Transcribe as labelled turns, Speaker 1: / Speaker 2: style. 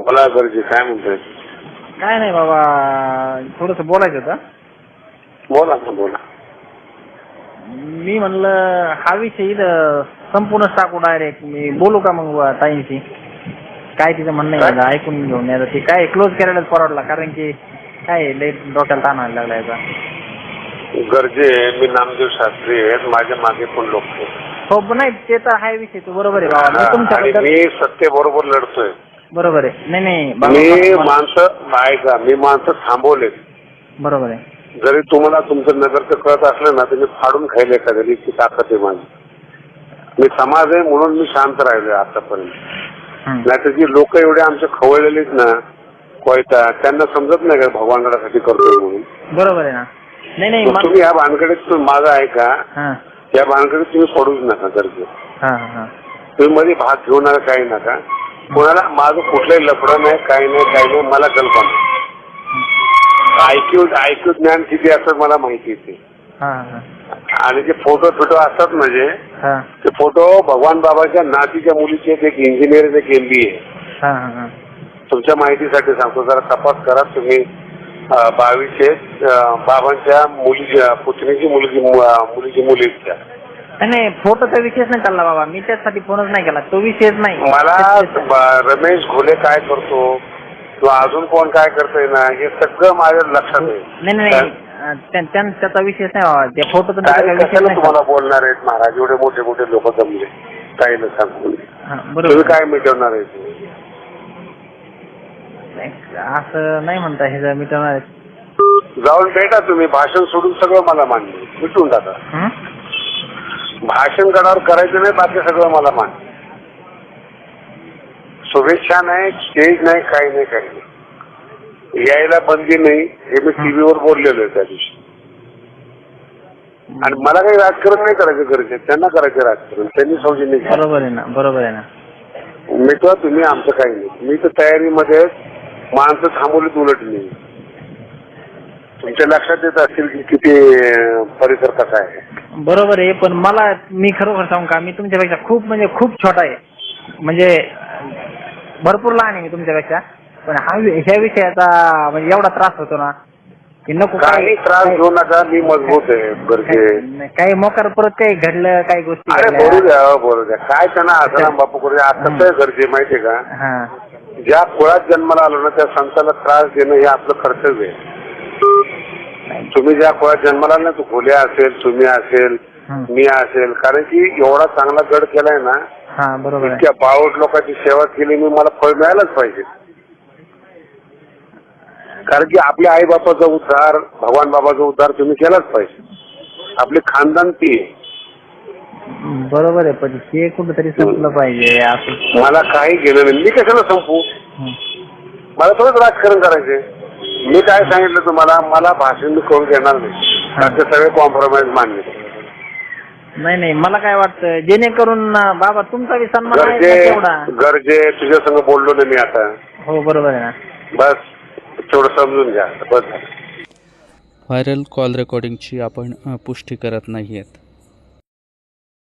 Speaker 1: बोला गरजे, काय म्हणतोय?
Speaker 2: काय नाही बाबा, थोडंसं बोलायचं होतं.
Speaker 1: बोला ना, बोला.
Speaker 2: मी म्हणलं हा विषय इथं संपूर्णच टाकू डायरेक्ट. मी बोलू का मग ताईंशी? काय तिचं म्हणणं आहे
Speaker 1: काय?
Speaker 2: ऐकून घेऊन यायचं. ते काय क्लोज करायलाच परवडला, कारण की काय लई डोक्याला ताण व्हायला लागला याचा.
Speaker 1: गरजे, मी नामदेव शास्त्री आहेत, माझ्या मागे पण लोक आहेत.
Speaker 2: हो नाही, ते तर हाय विषय, तो बरोबर आहे बाबा. मी
Speaker 1: आणि
Speaker 2: तुमच्याबद्दल
Speaker 1: मी सत्य बरोबर लढतोय.
Speaker 2: बरोबर आहे. नाही नाही
Speaker 1: मी
Speaker 2: बाबा,
Speaker 1: माणसं ऐका, मी माणसं थांबवले.
Speaker 2: बरोबर आहे.
Speaker 1: जरी तुम्हाला तुमचं नगरचं कळत असलं ना, तुम्ही फाडून खायला एखाद्या इतकी ताकद आहे माझी. मी समाज आहे म्हणून मी शांत राहिलोय आतापर्यंत. नाहीतर जी लोक एवढे आमचे खवळलेले आहेत ना, कोयता, त्यांना समजत नाही का भगवानगडासाठी करतोय म्हणून.
Speaker 2: बरोबर आहे ना. नाही नाही
Speaker 1: तुम्ही या भानगडीत माझा ऐका, या भानगडीत तुम्ही पडूच नका गरजे. तुम्ही मध्ये भाग घेऊ नका, काही नका. कोणाला माझं कुठलंही लफडं नाही, काही नाही, मला कल्पना. ऐक्यू ज्ञान किती असतं मला माहिती आहे. आणि जे फोटो असतात म्हणजे ते फोटो भगवान बाबाच्या नातीच्या मुलीचे, एक इंजिनियर, एक MBA. तुमच्या माहितीसाठी सांगतो, जरा तपास करा तुम्ही. 22 बाबांच्या मुलीच्या पुतणीची मुलीची मुलीच्या.
Speaker 2: नाही, फोटोचा विषयच नाही चालला बाबा. मी त्यासाठी फोनच नाही केला, तो विषयच नाही.
Speaker 1: मला रमेश घोले काय करतो किंवा अजून कोण काय करतोय ना, हे सगळं माझ्या लक्षात आहे.
Speaker 2: नाही त्याचा विषयच नाही बाबा. त्या फोटोचा
Speaker 1: कशाला तुम्हाला बोलणार आहेत महाराज? एवढे मोठे मोठे लोक जमले, काही न सांगून तुम्ही काय मिटवणार आहे?
Speaker 2: असं नाही म्हणता, हे मिटवणार आहे.
Speaker 1: जाऊन भेटा तुम्ही, भाषण सोडून सगळं मला मान्य, मिटून टाका. भाषण गडावर करायचं नाही, बाकी सगळं मला मान्य. शुभेच्छा नाही, स्टेज नाही, काही नाही. यायला बंदी नाही, हे मी टीव्हीवर बोललेलो आहे त्या दिवशी. आणि मला काही राजकारण नाही करायचं गरजेचं, त्यांना करायचं राजकारण, त्यांनी सौजन्य.
Speaker 2: बरोबर आहे ना.
Speaker 1: मिटवा तुम्ही, आमचं काही नाही. मी तर तयारीमध्ये माणसं थांबवलीत उलटली. तुमच्या लक्षात येत असतील की किती परिसर कसा आहे.
Speaker 2: बरोबर आहे, पण मी खरोखर सांगू का, मी तुमच्यापेक्षा खूप छोटा आहे. म्हणजे भरपूर लहान आहे मी तुमच्यापेक्षा. पण ह्या विषयाचा म्हणजे एवढा त्रास होतो ना की नको.
Speaker 1: काही त्रास घेऊ नका, मी मजबूत आहे. गरजे
Speaker 2: काही मोकार परत काही घडलं, काही गोष्टी.
Speaker 1: अरे बोलू द्या काय त्यांना आसाराम बापू करू द्या. आता कसं गरजे माहितीये का, ज्या कुळात जन्माला आलो ना त्या संताला त्रास देणं हे आपलं कर्तव्य आहे. तुम्ही ज्या कुळात जन्माला ना, तू घोल्या असेल, तुम्ही असेल, मी असेल, कारण की एवढा चांगला गड केलाय ना,
Speaker 2: बरोबर.
Speaker 1: इतक्या बावट लोकांची सेवा केली मी, मला फळ मिळायलाच पाहिजे. कारण की आपल्या आई बापाचा उद्धार, भगवान बाबाचा उद्धार तुम्ही केलाच पाहिजे. आपली खानदान ती आहे.
Speaker 2: बरोबर आहे, पण ते कुठेतरी संपलं पाहिजे.
Speaker 1: मला काही गेलं नाही, मी कशाला संपू? मला थोडंच राजकारण करायचंय. मी काय सांगितलं तुम्हाला, मला भाषण मी करून देणार नाही. त्याचे सगळे कॉम्प्रोमाइज मान्य.
Speaker 2: नाही, मला काय वाटतं, जेणेकरून बाबा तुमचा बी सन्मान आहे.
Speaker 1: गरजे तुझ्या संग बोललो ना मी आता.
Speaker 2: हो बरोबर आहे ना.
Speaker 1: बस थोडं समजून घ्या, बस.
Speaker 3: व्हायरल कॉल रेकॉर्डिंगची आपण पुष्टी करत नाहीयेत.